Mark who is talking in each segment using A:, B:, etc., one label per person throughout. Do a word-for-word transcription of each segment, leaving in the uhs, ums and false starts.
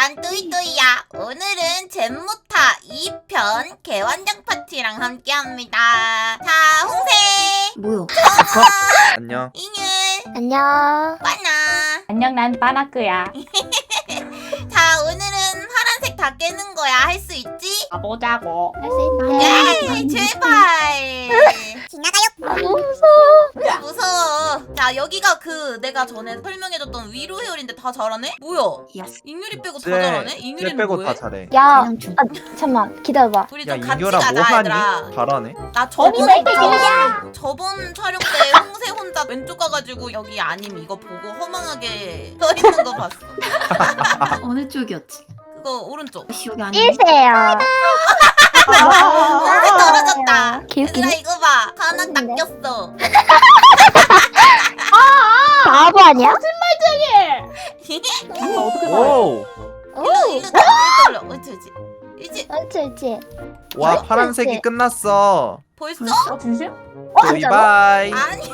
A: 난 뚜이뚜이야. 오늘은 잼모타 이 편 개완장 파티랑 함께합니다. 자, 홍세,
B: 뭐야?
C: 안녕.
A: 잉율,
B: 안녕.
A: 빠나.
D: 안녕, 난 빠나크야.
A: 자, 오늘은 파란색 다 깨는 거야. 할 수 있지?
D: 가보자고.
B: 할 수 있다.
A: 예, 제발. 지나가요.
B: 너무 무서워.
A: 무서워. 자, 여기가 그 내가 전에 설명해줬던 위로 헤어인데 다 잘하네? 뭐야?
B: 예스.
A: 잉율이 빼고 다
C: 쟤,
A: 잘하네?
C: 쟤
A: 잉율이는
C: 빼고
A: 뭐해?
C: 다 잘해.
B: 야, 아, 잠깐만 기다려봐.
A: 우리
C: 야,
A: 좀 같이
C: 이겨라
A: 가자,
C: 뭐 하니?
A: 얘들아.
C: 잘하네.
A: 나 저번
D: 언니
A: 저, 저번 촬영 때 홍세 혼자 왼쪽 가가지고 여기 아님 이거 보고 허망하게 서 있는 거 봤어.
E: 어느 쪽이었지?
A: 그거 오른쪽.
E: 기억이 안 나.
B: 일세요.
A: 홍세 떨어졌다. 얘들아
B: 개웃기네.
A: 이거 봐. 하나 딱 꼈어.
B: 바보 아니야?
D: 나 어떻게 살아?
C: 오.
A: 일로 일로 떨려. 어찌 어찌. 이제
B: 옳지 옳지.
C: 와
B: 어,
C: 파란색이
B: 그치.
C: 끝났어.
A: 벌써?
D: 어, 진심?
C: 바이바이.
A: 아니야.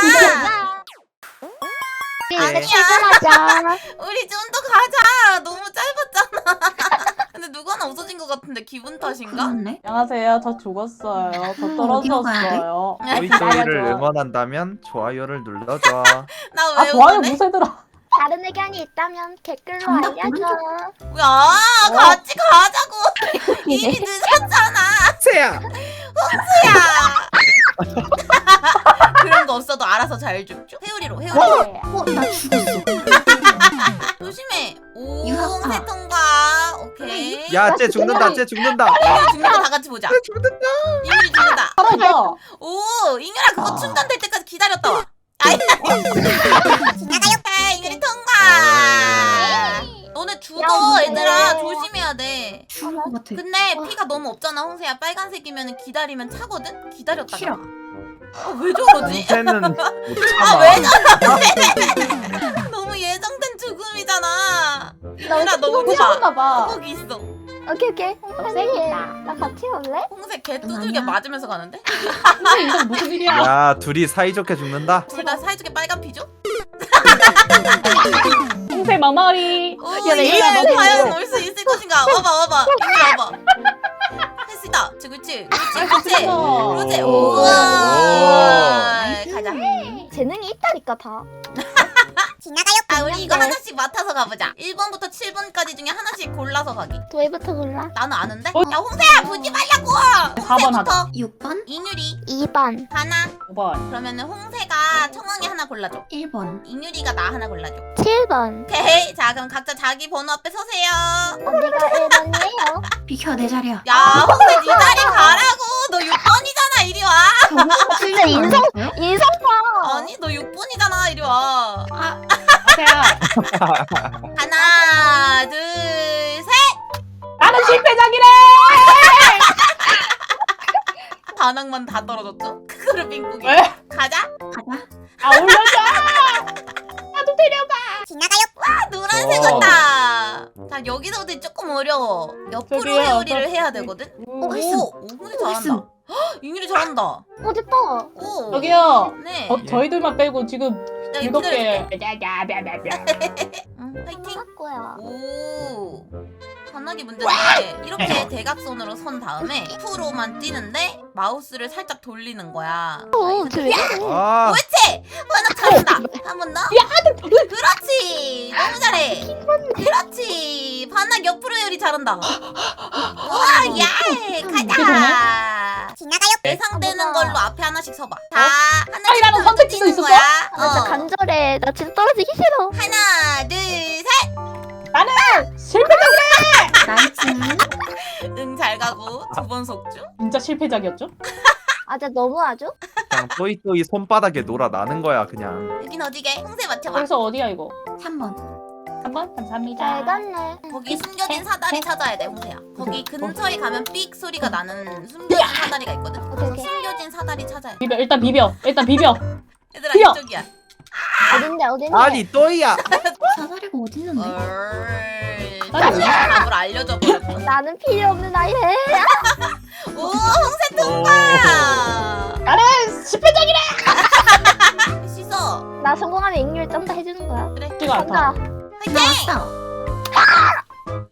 C: 네.
B: 출발하자.
A: 우리 좀 더 가자. 너무 짧았잖아. 근데 누구 하나 없어진 것 같은데 기분 탓인가?
E: 그렇네.
D: 안녕하세요. 저 죽었어요. 저
E: 어디로 가야 돼?
D: 떨어졌어요.
C: 토이토이를
D: 좋아.
C: 응원한다면 좋아요를 눌러줘.
A: 나
D: 아,
A: 왜
D: 좋아요.
A: 응원해?
D: 무쇠들아.
B: 다른 의견이 있다면 댓글로
E: 정답
B: 알려줘.
A: 야, 같이 가자고. 이미 늦었잖아.
C: 세야.
A: 야. 그런 거 없어도 알아서 잘 줍죠. 회오리로 회오리로.
E: 어, 나 죽었어.
A: 조심해. 오,
E: 이거-
A: 홍세
E: 아.
A: 통과. 오케이.
C: 야, 쟤 죽는다. 쟤 죽는다.
A: 이유리 죽는 거 다 같이 보자.
C: 쟤 죽는다.
A: 이유리 죽는다.
D: 살아있다.
A: 오, 잉유라 그거
C: 아.
A: 충전될 때까지 기다렸다 와. 아이. 지나가요. 잉유리 통과. 너네 죽어,
B: 야,
A: 얘들아.
B: 근데-
A: 조심해야 돼.
E: 죽을 것 같아.
A: 근데 피가 너무 없잖아, 홍세야. 빨간색이면 기다리면 차거든? 기다렸다가.
E: 싫어.
A: 아, 왜 저러지?
C: 홍세는 못
A: 아,
C: 참아.
A: 왜 저러지? 너무 예정된 죽음이잖아. 이누라 너무 좋아.
D: 미쳤나봐.
A: 거기 있어.
B: 오케이 오케이. 홍세기 나 같이 올래?
A: 홍색 개 두들겨
E: 아니야.
A: 맞으면서 가는데?
D: 근데 이건 무슨 일이야?
C: 야, 둘이 사이좋게 죽는다.
A: 제가 사이좋게 빨간 피죠?
D: 홍세 마마리.
A: 오,
B: 야, 나
A: 이누라
B: 이거
A: 과연 올 수 있을 것인가? 와봐, 와봐. 이누라 와봐. 할 수 있다. 그렇지, 그렇지. 그렇지, 그렇지. 그렇지.
C: 오.
A: 우와. 가자.
B: 재능이 있다니까 다.
A: 지나가요. 아, 우리 이거 하나씩 맡아서 가보자. 일 번부터 칠 번까지 중에 하나씩 골라서 가기.
B: 도희부터 골라.
A: 나는 아는데?
D: 어?
A: 야, 홍세야, 보지 말라고!
D: 사 번
A: 홍세부터
E: 육 번,
A: 이누리
B: 이 번.
A: 하나.
D: 오 번.
A: 그러면은 홍세가 청왕이 하나 골라줘.
E: 일 번.
A: 이누리가 나 하나 골라줘.
B: 칠 번.
A: 오케이. 자, 그럼 각자 자기 번호 앞에 서세요.
B: 언니가 일 번이에요.
E: 비켜, 내 자리야.
A: 야, 홍세 네 자리 가라고. 너 육 번이잖아. 이리 와.
B: 진짜 인성 인성 봐.
A: 아니, 너 육 번이잖아. 이리 와.
E: 아,
D: 아세야.
A: 하나, 둘, 셋.
D: 나는 실패작이래.
A: 반항만 다 떨어졌죠? 그거를 빙고기.
D: 왜?
A: 가자.
E: 가자.
D: 아, 올려줘. 나도 데려가.
A: 지나가요. 와, 노란색
C: 어.
A: 같다. 자, 여기서부터 조금 어려워. 옆으로
D: 저기요,
A: 회오리를
D: 저-
A: 해야 되거든?
D: 오,
E: 했음.
A: 오, 홍세 잘한다. 헉, 잉율이 잘한다.
B: 어딨다.
A: 오.
D: 저기요.
A: 네.
D: 어, 저희들만 빼고 지금
A: 나
D: 일곱
A: 이거
D: 개.
A: 기다려줄게. 응, 파이팅.
B: 거야.
A: 오. 반하기 문제인데 이렇게 대각선으로 선 다음에 F로만 뛰는데 마우스를 살짝 돌리는 거야.
B: 어, 쟤
C: 아,
A: 그렇지! 반학 잘한다. 한 번 더. 그렇지. 너무 잘해. 그렇지. 반학 옆으로 요리 잘한다. 우와, 예. 가자. 지나가요. 예상되는 걸로 앞에 하나씩 서봐. 자, 하나씩
D: 아니, 나는 선택지도
A: 뛰는
D: 있었어?
A: 거야.
B: 나 진짜
A: 어.
B: 간절해. 나 진짜 떨어지기 싫어.
A: 하나, 둘, 셋.
D: 나는 실패작이래.
E: 나이스.
A: 응, 잘 가고 두 번 속주.
D: 진짜 실패작이었죠?
B: 아, 진짜 너무하죠?
C: 그냥 토이토이 손바닥에 놀아 나는 거야 그냥.
A: 여긴 어디게? 홍세 맞춰봐.
D: 그래서 어디야 이거?
E: 삼 번.
D: 한 번 감사합니다.
B: 잘 갔네.
A: 거기 숨겨진 사다리 찾아야 돼, 홍세야. 거기 근처에 가면 삑 소리가 나는 숨겨진 사다리가 있거든.
B: 오케이, 오케이.
A: 숨겨진 사다리 찾아야 돼.
D: 비벼 일단 비벼 일단 비벼.
A: 얘들아,
D: 뛰어!
A: 이쪽이야.
B: 어딘데 어딘데?
C: 아니 또이야.
E: 사다리가 어딨는데?
A: 얼.
D: 사다리 어디야?
A: 답을 알려줘 버렸어.
B: 나는 필요 없는 아이래.
A: 오, 홍세 통과.
D: 나는 실패작이래.
A: 할 수 있어.
B: 나 성공하면 잉율 쩐다 해주는 거야.
A: 그래.
D: 지가 않다.
B: 간다.
A: 화이팅!
E: 나왔어.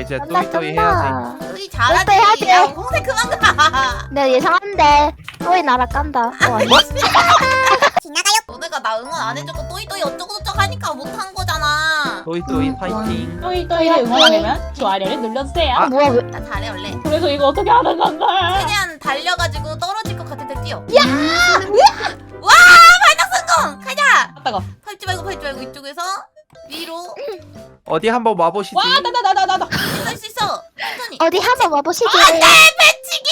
C: 이제
B: 간다
C: 또이또이 해야지.
B: 간다.
A: 또이 잘하지.
B: 또이 해야지.
A: 야 홍색 그만 가.
B: 내가 예상한데 또이 나라 깐다. 어, 아니.
A: 너네가 나 응원 안 해주고 또이또이 어쩌고저쩌고 하니까 못한 거잖아.
C: 또이또이
E: 음,
C: 파이팅.
D: 또이 또이를 응원하려면 좋아요를 눌러주세요.
B: 아, 뭐야 왜?
A: 나 잘해 원래.
D: 그래서 이거 어떻게 하는 건가?
A: 최대한 달려가지고 떨어질 것 같을 때 뛰어. 야! 와 발작 성공. 가자.
D: 아따가.
A: 밟지 말고 밟지 말고 이쪽에서 위로
C: 어디 한번 와보시지.
D: 와, 나 나 나 나 나 나.
A: 할 수 있어. 천천히.
B: 어디 한번 와보시게.
A: 안돼 배치기.